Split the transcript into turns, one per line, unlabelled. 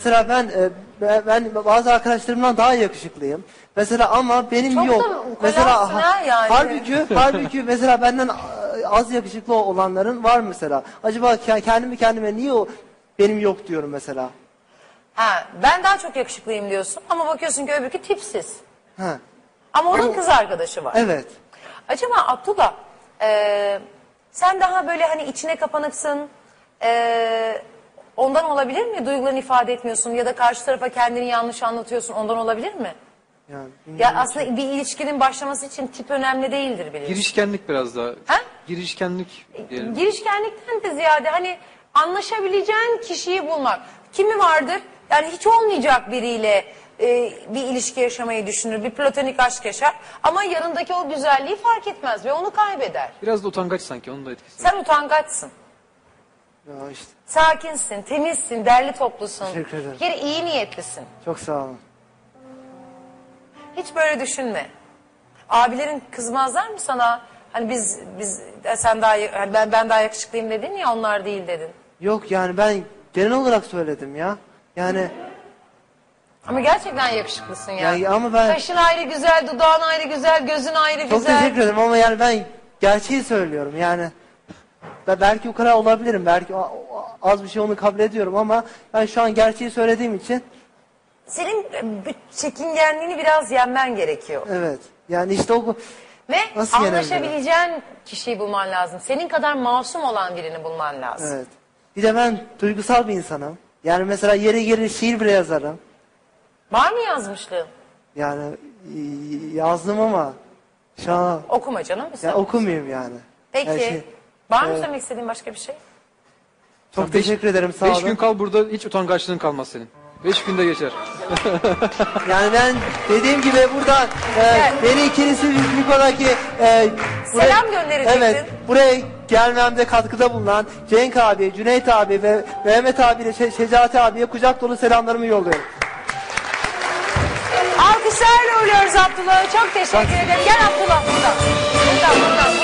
Mesela ben bazı arkadaşlarımdan daha yakışıklıyım. Mesela ama benim
Çok
yok.
da
Mesela
ukalansın ha yani.
halbuki mesela benden az yakışıklı olanların var mesela. Acaba kendime niye benim yok diyorum mesela.
Ha, ben daha çok yakışıklıyım diyorsun ama bakıyorsun ki öbürkü tipsiz.
Ha.
Ama onun kız arkadaşı var.
Evet.
Acaba Abdullah sen daha böyle hani içine kapanıksın, ondan olabilir mi? Duygularını ifade etmiyorsun ya da karşı tarafa kendini yanlış anlatıyorsun, ondan olabilir mi?
Yani,
Ya aslında bir ilişkinin başlaması için tip önemli değildir biliyorsun.
Girişkenlik biraz daha.
Ha?
Girişkenlik diyelim.
Girişkenlikten de ziyade hani anlaşabileceğin kişiyi bulmak. Kimi vardır? Yani hiç olmayacak biriyle bir ilişki yaşamayı düşünür, bir platonik aşk yaşar. Ama yanındaki o güzelliği fark etmez ve onu kaybeder.
Biraz da utangaç sanki, onun da etkisi var.
Sen utangaçsın.
ya işte,
Sakinsin, temizsin, derli toplusun.
Teşekkür ederim.
Geri iyi niyetlisin.
çok sağ olun.
Hiç böyle düşünme. Abilerin kızmazlar mı sana? Hani biz sen daha ben daha yakışıklıyım dedin ya, onlar değil dedin.
Yok yani ben genel olarak söyledim ya. Yani
Ama gerçekten yakışıklısın ya.
ama ben
Kaşın ayrı güzel, dudağın ayrı güzel, gözün ayrı
çok
güzel.
teşekkür ederim ama yani ben gerçeği söylüyorum yani. Belki o kadar olabilirim. Belki az bir şey onu kabul ediyorum ama ben şu an gerçeği söylediğim için
Senin çekingenliğini biraz yenmen gerekiyor.
evet. Yani işte o
Ve
nasıl yenebilirim?
anlaşabileceğin kişiyi bulman lazım. Senin kadar masum olan birini bulman lazım.
Evet. Bir de ben duygusal bir insanım. Yani mesela yeri gelir şiir bile yazarım.
Var mı yazmışlığın?
Yani yazdım ama şu an
Okuma canım.
ya okumayayım yani.
Peki.
Yani
var mı söylemek istediğin başka bir şey?
çok teşekkür ederim, sağ olun.
5 gün kal burada, hiç utangaçlığın kalmaz senin. 5 günde geçer.
Yani ben dediğim gibi burada beni ikincisi Niko'daki
Selam gönderecektin.
Evet, buraya gelmemde katkıda bulunan Cenk abi, Cüneyt abi ve Mehmet abiyle Şecati abiye kucak dolu selamlarımı yolluyorum.
Alkışlarla uğurluyoruz Abdullah'ı. Çok teşekkür ederim. Gel Abdullah buradan. Buradan.